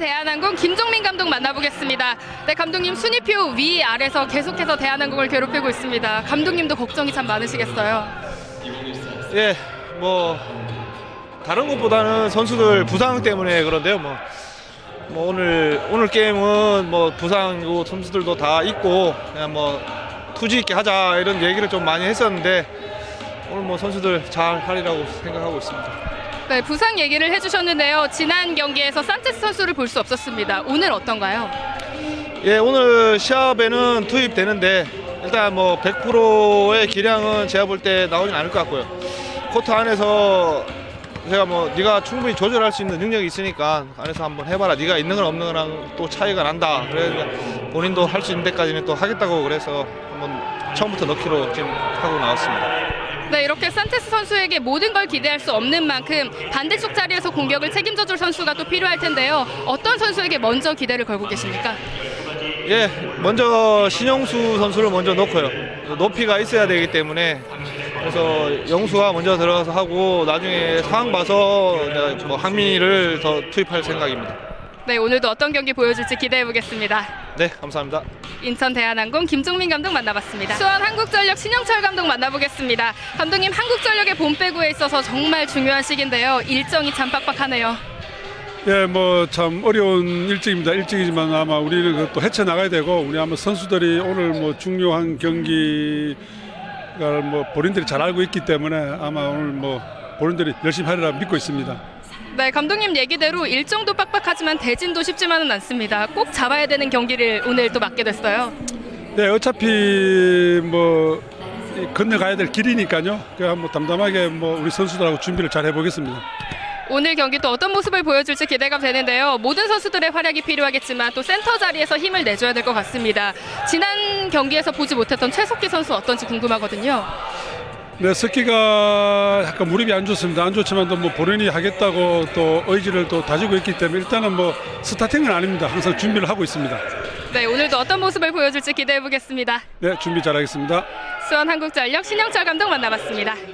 대한항공 김종민 감독 만나보겠습니다. 네, 감독님 순위표 위 아래서 계속해서 대한항공을 괴롭히고 있습니다. 감독님도 걱정이 참 많으시겠어요. 예, 뭐 다른 것보다는 선수들 부상 때문에 그런데요. 뭐 오늘 게임은 뭐 부상이고 선수들도 다 있고 그냥 뭐 투지 있게 하자 이런 얘기를 좀 많이 했었는데 오늘 뭐 선수들 잘 하리라고 생각하고 있습니다. 네, 부상 얘기를 해주셨는데요. 지난 경기에서 산체스 선수를 볼 수 없었습니다. 오늘 어떤가요? 예, 오늘 시합에는 투입되는데 일단 뭐 100%의 기량은 제가 볼 때 나오진 않을 것 같고요. 코트 안에서 제가 뭐 네가 충분히 조절할 수 있는 능력이 있으니까 안에서 한번 해봐라. 네가 있는 건 없는 거랑 또 차이가 난다. 그래서 본인도 할 수 있는 데까지는 또 하겠다고 그래서 한번 처음부터 넣기로 지금 하고 나왔습니다. 네, 이렇게 산체스 선수에게 모든 걸 기대할 수 없는 만큼 반대쪽 자리에서 공격을 책임져줄 선수가 또 필요할 텐데요. 어떤 선수에게 먼저 기대를 걸고 계십니까? 예, 먼저 신영수 선수를 먼저 넣고요. 높이가 있어야 되기 때문에 그래서 영수가 먼저 들어가서 하고 나중에 상황 봐서 뭐 항민이를 더 투입할 생각입니다. 네, 오늘도 어떤 경기 보여줄지 기대해 보겠습니다. 네, 감사합니다. 인천 대한항공 김종민 감독 만나봤습니다. 수원 한국전력 신영철 감독 만나보겠습니다. 감독님, 한국전력의 봄 배구에 있어서 정말 중요한 시기인데요. 일정이 참 빡빡하네요. 예, 뭐 참 어려운 일정입니다. 일정이지만 아마 우리는 또 헤쳐 나가야 되고 우리 아마 선수들이 오늘 뭐 중요한 경기를 뭐 본인들이 잘 알고 있기 때문에 아마 오늘 뭐 본인들이 열심히 하리라 믿고 있습니다. 네, 감독님 얘기대로 일정도 빡빡하지만 대진도 쉽지만은 않습니다. 꼭 잡아야 되는 경기를 오늘 또 맡게 됐어요. 네, 어차피 뭐 건너가야 될 길이니까요. 그냥 뭐 담담하게 뭐 우리 선수들하고 준비를 잘 해보겠습니다. 오늘 경기 또 어떤 모습을 보여줄지 기대가 되는데요. 모든 선수들의 활약이 필요하겠지만 또 센터 자리에서 힘을 내줘야 될 것 같습니다. 지난 경기에서 보지 못했던 최석기 선수 어떤지 궁금하거든요. 네, 석기가 약간 무릎이 안 좋습니다. 안 좋지만 또 뭐 본인이 하겠다고 또 의지를 또 다지고 있기 때문에 일단은 뭐 스타팅은 아닙니다. 항상 준비를 하고 있습니다. 네, 오늘도 어떤 모습을 보여줄지 기대해 보겠습니다. 네, 준비 잘하겠습니다. 수원 한국전력 신영철 감독 만나봤습니다.